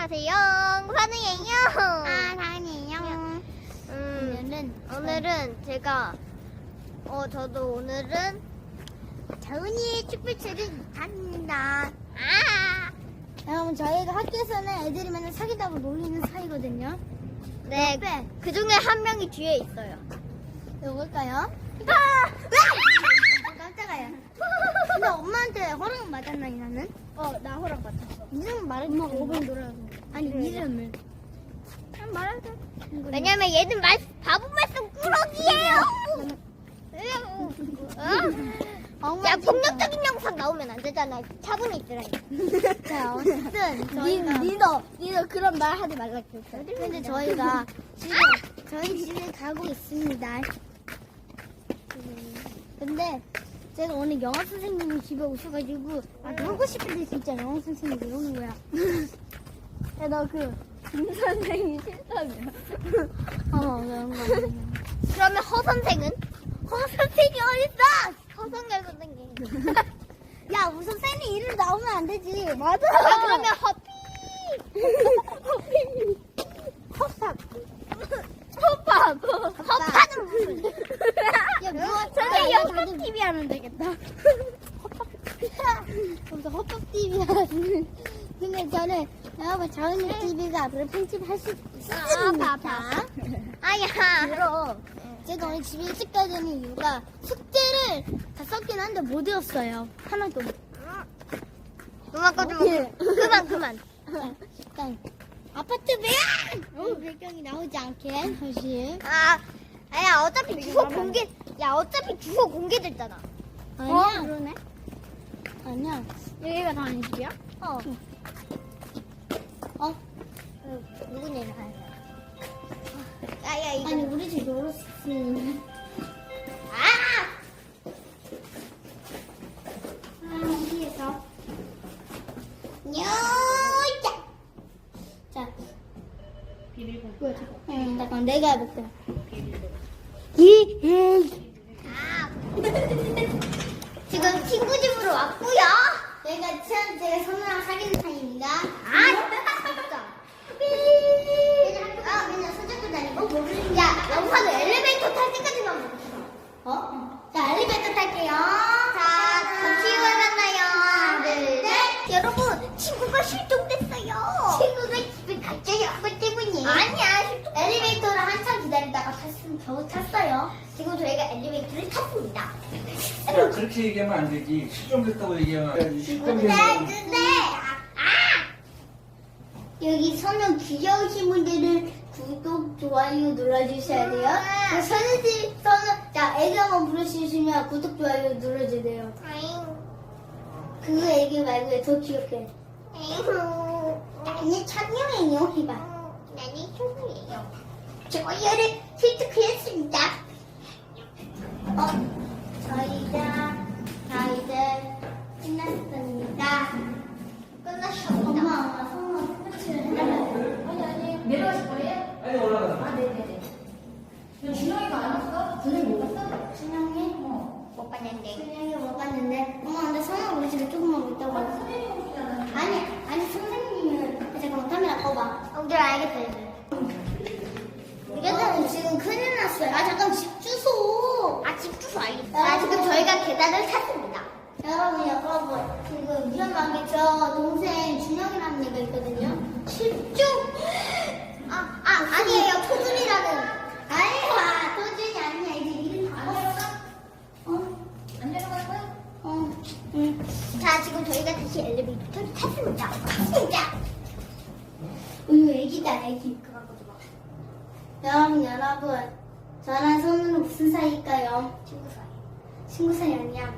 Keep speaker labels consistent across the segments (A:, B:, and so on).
A: 안녕하세요. 환우예요.
B: 사랑해요.
A: 오늘은 제가 저도 오늘은
B: 자은이의 촛불책을 갑니다.
A: 여러분
B: 저희가 학교에서는 애들이 맨날 사귀다고 놀리는 사이거든요.
A: 네,
B: 옆에.
A: 그 중에 한 명이 뒤에 있어요.
B: 누굴까요? 깜짝아요. 근데 엄마한테 허락 받았나 나는?
A: 나 허락 받았어.
B: 이름 말해도 엄마가 5분 놀아서. 아니 이름을. 그냥 말해도.
A: 왜냐면 얘는 바보 말씀 꾸러기예요. 야, 폭력적인 영상 나오면 안 되잖아. 차분히 있으라니까.
B: 자, 어쨌든 저희가
A: 니도 그런 말 하지 말라 그랬어.
B: 근데 저희가 지금 저희 집에 가고 있습니다. 근데 제가 오늘 영어 선생님이 집에 오셔가지고 놀고 싶은데 진짜 영어 선생님이 이러는 거야. 야, 너 김 선생님 싫다며. 그런 거.
A: 그러면 허 선생은?
B: 허 선생이 어딨어?
A: 허성열 선생님.
B: 야, 우선 쌤이 이름 나오면 안 되지. 맞아.
A: 그러면 허피.
B: 허팝.
A: 허파는 무슨?
B: 야,
A: 선생님 허팝 TV 하면 되겠다.
B: 그래서 허팝 TV 하는. 근데 저는 여러분 자은이 TV가 앞으로 편집할 수 있습니다.
A: 아야.
B: 그럼 제가 오늘 집에 일찍 가야 되는 이유가 숙제를 다 썼긴 한데 못 외웠어요. 하나도.
A: 그만 꺼줘. 그만.
B: 일단 아파트 배경! 배경이 나오지 않게 사실.
A: 아야 어차피 주소 공개. 야 어차피 주소 공개됐잖아.
B: 아니야.
A: 그러네.
B: 아니야.
A: 여기가 다 아닌 집이야?
B: 누구냐 이거.
A: 야야 이거.
B: 아니 우리 집 놀았으면. 어디에서? 뇨자. 자. 뭐야? 잠깐 내가 해볼게.
A: 지금 친구 집으로 왔고요.
B: 제가 선우랑 사귀는 사이입니다.
A: 진짜.
B: 맨날 손잡고 다니고 모르는 게.
A: 야 영상은 엘리베이터 탈 때까지만 멈춰.
B: 자, 엘리베이터 탈게요.
A: 자, 잠시 후에 만나요. 하나, 둘, 셋.
B: 네.
A: 여러분, 친구가 실종됐어요.
B: 친구가 집에 갑자기 왔기 때문에.
A: 아니야,
B: 엘리베이터를 한참 기다리다가 겨우 탔어요.
A: 지금 저희가 엘리베이터를 탔습니다.
C: 야, 그렇게 얘기하면 안 되지. 실종됐다고 얘기하면 안 되지.
B: 근데 여기 선우 귀여우신 분들은 구독, 좋아요 눌러주셔야 돼요. 자, 애기 한번 부르시면 구독, 좋아요 눌러주세요. 그거 애기 말고 더 귀엽게. 나는 천명이에요. 해봐.
A: 나는 친구예요.
B: 좋아요를 획득했습니다. 저희가 다 이제 끝났습니다.
A: 끝났습니다.
B: 엄마, 성우 스포츠를 해달라고.
D: 내려가실 거예요?
C: 아니, 올라가.
D: 네네네. 준영이가 안 왔어? 준영이 못 왔어?
B: 준영이?
A: 못 봤는데.
B: 준영이 못 봤는데. 엄마, 근데 성우 우리 집에 조금만 있다고.
D: 선생님이 오시잖아.
B: 아니, 선생님은. 잠깐만, 카메라 꺼봐.
A: 알겠어, 이제.
B: 이거는 지금 큰일 났어요. 잠깐 집 주소.
A: 집 주소 알겠어. 지금 저희가 계단을 탔습니다.
B: 여러분, 지금 위험한 게 저 동생 준영이라는 애가 있거든요. 집중!
A: 아니에요. 토준이라는.
B: 아니야, 도준이 아니야. 이제 이름 다 알았어?
D: 안 내려갈 거야?
B: 응.
A: 자, 지금 저희가 다시 엘리베이터를 탔습니다. 진짜.
B: 우유 애기다, 애기. 여러분, 저랑 선우는 무슨 사이일까요?
A: 친구 사이.
B: 친구 사이 아니야.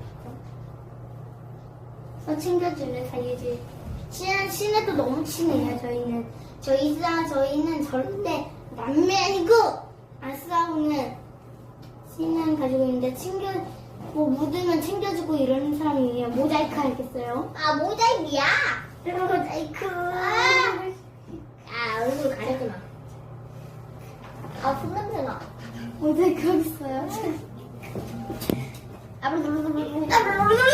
B: 챙겨주는 사이지. 친해도 너무 친해요, 저희는. 저희는 절대 남매 아니고, 안 싸우는 신앙 가지고 있는데, 묻으면 챙겨주고 이러는 사람이에요. 모자이크 알겠어요?
A: 모자이크야.
B: 모자이크.
A: 얼굴 가리지 마. 손냄새나.
B: 모자이크 하겠어요?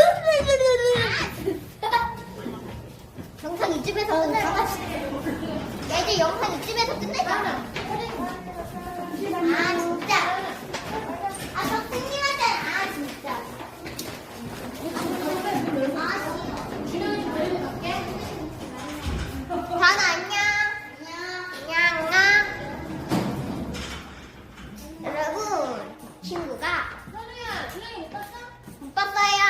A: 영상 이쯤에서 끝날 것 같아. 이제 영상 이쯤에서 끝내자.
B: 아 진짜. 아 선생님한테 아 진짜.
A: 다나 안녕. 안녕. 여러분, 친구가 못 봤어요.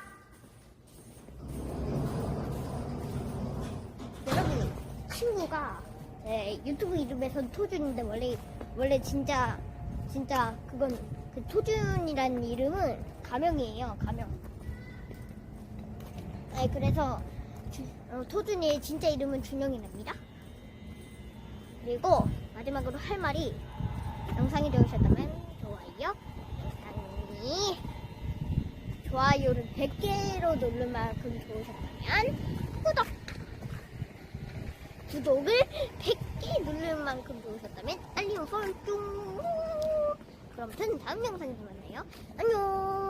A: 여러분, 친구가 유튜브 이름에선 토준인데 원래 진짜 그건 그 토준이라는 이름은 가명이에요. 가명. 그래서 토준이의 진짜 이름은 준영이랍니다. 그리고 마지막으로 할 말이 영상이 좋으셨다면 좋아요를 100개로 누를 만큼 좋으셨다면 구독을 100개 누를 만큼 좋으셨다면 알림 설정. 그럼 저는 다음 영상에서 만나요. 안녕.